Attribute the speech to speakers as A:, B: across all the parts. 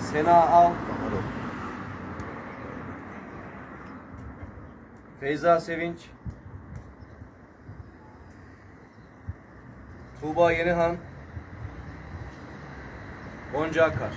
A: Sena Al, Feyza Sevinç, Tuğba Yenihan, Gonca Akar.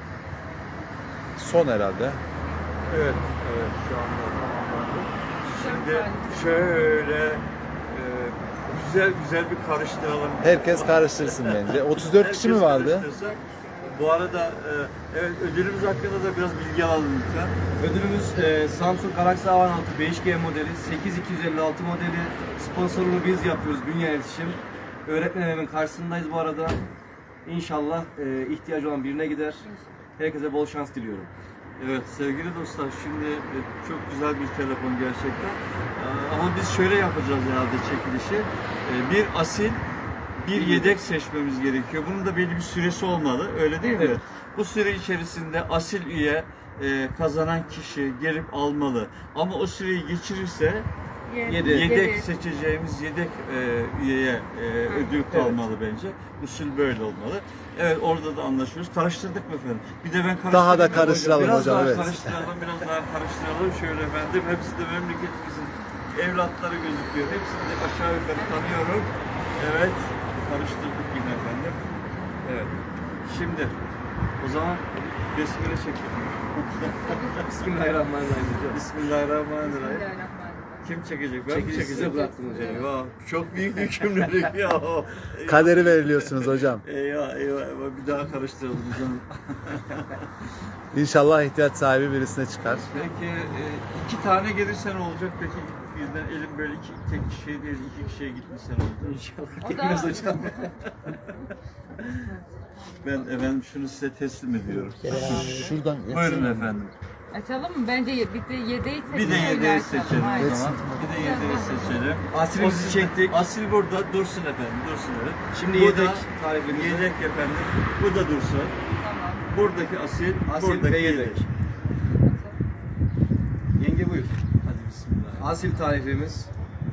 B: Son herhalde.
C: Evet, evet şu anda tamamlandı. Şimdi şöyle güzel güzel bir karıştıralım.
B: Herkes karıştırsın bence. 34 kişi mi vardı?
C: Karıştırsın. Bu arada evet, ödülümüz hakkında da biraz bilgi alalım lütfen.
A: Ödülümüz Samsung Galaxy A16 5G modeli, 8256 modeli. Sponsorluğunu biz yapıyoruz, Bünye İletişim. Öğretmen evinin karşısındayız bu arada. İnşallah ihtiyacı olan birine gider. Herkese bol şans diliyorum.
C: Evet sevgili dostlar, şimdi çok güzel bir telefon gerçekten. Ama biz şöyle yapacağız herhalde çekilişi. Bir asil, bir yedek seçmemiz gerekiyor. Bunun da belli bir süresi olmalı, öyle değil mi?
A: Evet.
C: Bu süre içerisinde asil üye kazanan kişi gelip almalı. Ama o süreyi geçirirse yedek seçeceğimiz yedek üyeye ödül kalmalı bence. Usul böyle olmalı. Evet, orada da anlaşıyoruz. Karıştırdık mı efendim? Bir de ben karıştırayım.
B: Daha da karıştıralım
C: Biraz
B: hocam,
C: daha
B: evet.
C: karıştıralım, biraz daha karıştıralım. Şöyle efendim, hepsi de memleketimizin evlatları gözüküyor. Hepsini de aşağı yukarı tanıyorum. Evet, karıştırdık yine efendim. Evet. Şimdi o zaman besmele çekelim.
A: Bismillahirrahmanirrahim hocam.
C: Bismillahirrahmanirrahim. Kim çekecek? Ben mi
A: Çekilişi
C: çekeceğim?
A: size bıraktım hocam.
C: Eyvah, çok büyük yükümlülük ya.
B: Kaderi veriliyorsunuz hocam.
C: Eyvah, eyvah, eyvah. Bir daha karıştıralım canım.
B: İnşallah ihtiyaç sahibi birisine çıkar.
C: Peki iki tane gelirse ne olacak? Peki birden elim böyle tek kişiye değil, iki kişiye gitmişse ne olacak?
A: İnşallah gelmez hocam.
C: Ben efendim şunu size teslim ediyorum.
B: Şuradan
C: Buyurun efendim.
D: Açalım mı? Bence bir de yedeği seçelim.
C: Bir de yedeği
D: öyle açalım.
C: seçelim o
D: Aynen.
C: zaman. Bir de yedeği seçelim.
A: Asilimizi çektik.
C: Asil burada dursun efendim, dursun evet.
A: Şimdi
C: Bu
A: yedek
C: da
A: tarifimiz.
C: yedek efendim. Bu da dursun.
D: Tamam.
C: Buradaki asil,
A: Asil
C: buradaki
A: ve
C: yedek.
A: yedek. Yenge buyur.
C: Hadi bismillah.
A: Asil tarifimiz.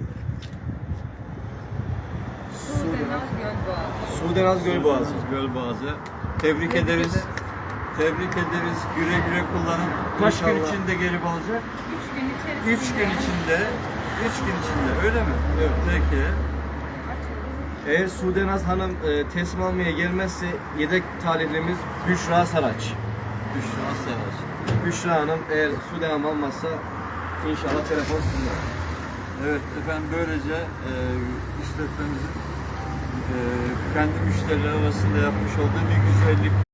D: Sudenaz Gölboğazı.
A: Sudenaz Gölboğazı.
C: Gölboğazı. Tebrik ederiz. Tebrik ederiz. Güle güle kullanın. Kaç gün
A: İnşallah.
C: içinde gelip alacak?
D: 3 gün içerisinde.
C: 3 gün içinde. 3 gün içinde. Öyle mi?
A: Evet.
C: Peki.
A: Eğer Sudenaz Hanım teslim almaya gelmezse yedek talihimiz Büşra Saraç.
C: Büşra Saraç.
A: Büşra Hanım eğer Sudenaz almazsa inşallah telefon sizinle.
C: Evet efendim, böylece işletmemizin kendi müşteriler arasında yapmış olduğu bir güzellik